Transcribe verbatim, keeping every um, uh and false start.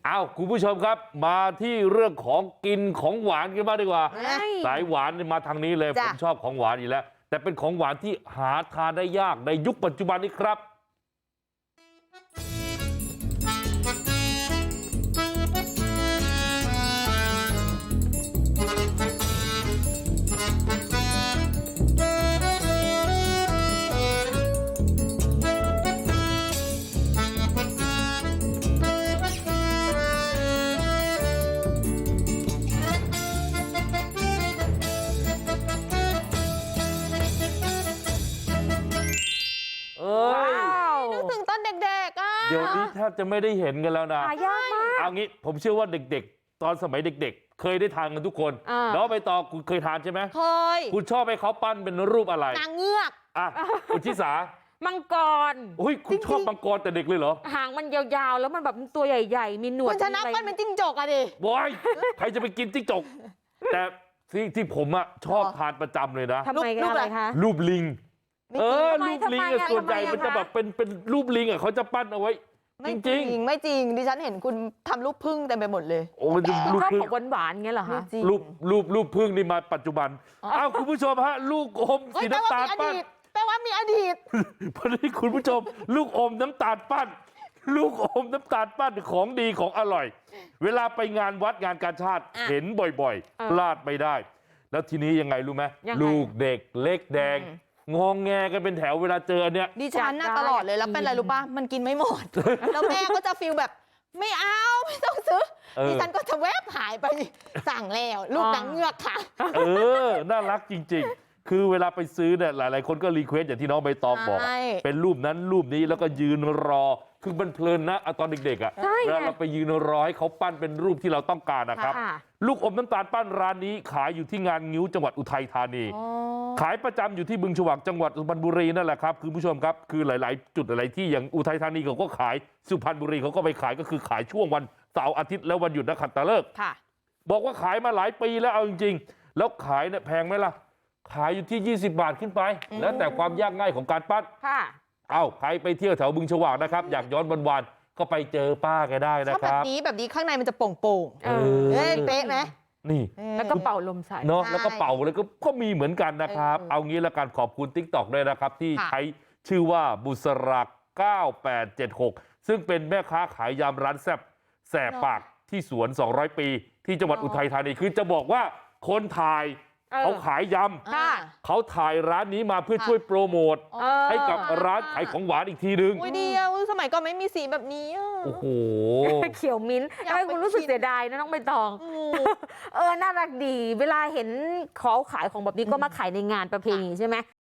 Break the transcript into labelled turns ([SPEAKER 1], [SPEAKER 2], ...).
[SPEAKER 1] อ้าวคุณผู้ชมครับมาที่เรื่องของกินของหวานกันบ้างดีกว่าสายหวานมาทางนี้เลยผมชอบของหวานอยู่แล้วแต่เป็นของหวานที่หาทานได้ยากในยุคปัจจุบันนี้ครับ
[SPEAKER 2] นึกถึงตอนเด็กๆอ่ะ
[SPEAKER 1] เดี๋ยวนี้แทบจะไม่ได้เห็นกันแล้วนะ
[SPEAKER 2] หายากมาก
[SPEAKER 1] เอางี้ผมเชื่อว่าเด็กๆตอนสมัยเด็กๆเคยได้ทานกันทุกคนน้องใบตองคุณเคยทานใช่ไหม
[SPEAKER 2] เคย
[SPEAKER 1] คุณชอบให้เขาปั้นเป็นรูปอะไร
[SPEAKER 2] นางเงือก
[SPEAKER 1] อ่ะคุณชิสา
[SPEAKER 2] มังกร
[SPEAKER 1] อุ้ยคุณชอบมังกรแต่เด็กเลยเหรอ
[SPEAKER 2] หางมันยาวๆแล้วมันแบบตัวใหญ่ๆมีหนวด
[SPEAKER 3] คุณชนะปั้นเป็นจิ้งจกอะดิ
[SPEAKER 1] บอยใครจะไปกินจิ้งจกแต่ที่ที่ผมอะชอบทานประจำเลยนะ
[SPEAKER 2] ทำไมกันอะไรคะ
[SPEAKER 1] รูปลิงเออรูปลิงส่วนใหญ่มันจะ
[SPEAKER 2] แบ
[SPEAKER 1] แบบเป็นเป็นรูปลิงอะเขาจะปั้นเอาไว้จริง
[SPEAKER 3] ๆไม่จริงดิฉันเห็นคุณทำรูปพึ่งเต็มไปหมดเลย
[SPEAKER 1] โอ้มันรูป
[SPEAKER 2] พึ่ง
[SPEAKER 1] ห
[SPEAKER 2] หวานๆเงี้ยเหรอคะ
[SPEAKER 1] รูปรูปรูปพึ่งนี่มาปัจจุบันอ้าวคุณผู้ชมฮะลูกอมสีน้ำตาลปั้น
[SPEAKER 3] แปลว่ามีอดีต
[SPEAKER 1] พอดีคุณผู้ชมลูกอมน้ำตาลปั้นลูกอมน้ำตาลปั้นของดีของอร่อยเวลาไปงานวัดงานกาชาติเห็นบ่อยๆพลาดไม่ได้แล้วทีนี้ยังไงรู้ไหมลูกเด็กเล็กแดงงองแงกันเป็นแถวเวลาเจออันเนี้ย
[SPEAKER 3] ดิฉันน่ะตลอดเลยแล้วเป็นอะไรรู้ป่ะมันกินไม่หมดแล้วแม่ก็จะฟีลแบบไม่เอาไม่ต้องซื้อดิฉันก็จะแวบหายไปสั่งแล้วลูกนางเงือกค่ะ
[SPEAKER 1] เออน่ารักจริงๆคือเวลาไปซื้อเนี่ยหลายๆคนก็รีเควสอย่างที่น้องใบตองบอกเป็นรูปนั้นรูปนี้แล้วก็ยืนรอคือมันเพลินนะตอนเด็กๆอ่ะเวลาเราไปยืนรอให้เขาปั้นเป็นรูปที่เราต้องการนะครับลูกอมน้ำตาลปั้นร้านนี้ขายอยู่ที่งานงิ้วจังหวัดอุทัยธานีขายประจำอยู่ที่บึงฉวากจังหวัดสุพรรณบุรีนั่นแหละครับคุณผู้ชมครับคือหลายๆจุดหลายที่อย่างอุทัยธานีเขาก็ขายสุพรรณบุรีเขาก็ไปขายก็คือขายช่วงวันเสาร์อาทิตย์และวันหยุดนักขัตฤกษ์บอกว่าขายมาหลายปีแล้วเอาจริงๆแล้วขายเนี่ยแพงไหมล่ะขายอยู่ที่ยี่สิบบาทขึ้นไปแล้วแต่ความยากง่ายของการปั้นเอ้าใครไปเที่ยวแถวบึงฉวากนะครับอยากย้อนวันๆก็ไปเจอป้าแกได้นะครับ
[SPEAKER 3] แบบนี้แบบนี้ข้างในมันจะโป่งๆเออเป๊ะไหม
[SPEAKER 1] นี่
[SPEAKER 2] แล้วก็เป่าลมใส่
[SPEAKER 1] เนาะแล้วก็เป่าเลยก็ก็มีเหมือนกันนะครับเอางี้ละกันขอบคุณ ติ๊กต็อก ด้วยนะครับที่ใช้ชื่อว่าบุษรักเก้าแปดเจ็ดหกซึ่งเป็นแม่ค้าขายยำร้านแซ่บแสบปากที่สวนสองร้อยปีที่จังหวัดอุทัยธานีคือจะบอกว่าคนถ่ายเขาขายยำเขาถ่ายร้านนี้มาเพื่อช่วยโปรโมทให้กับร้านขายของหวานอีกทีนึง
[SPEAKER 3] อุ้ยเดียวสมัยก่อนไม่มีสีแบบนี้
[SPEAKER 1] โอ้โห
[SPEAKER 2] เขียวมิ้นทำไมคุณรู้สึกเสียดายนะน้องใบตองเออน่ารักดีเวลาเห็นเขาขายของแบบนี้ก็มาขายในงานประเพณีใช่ไหม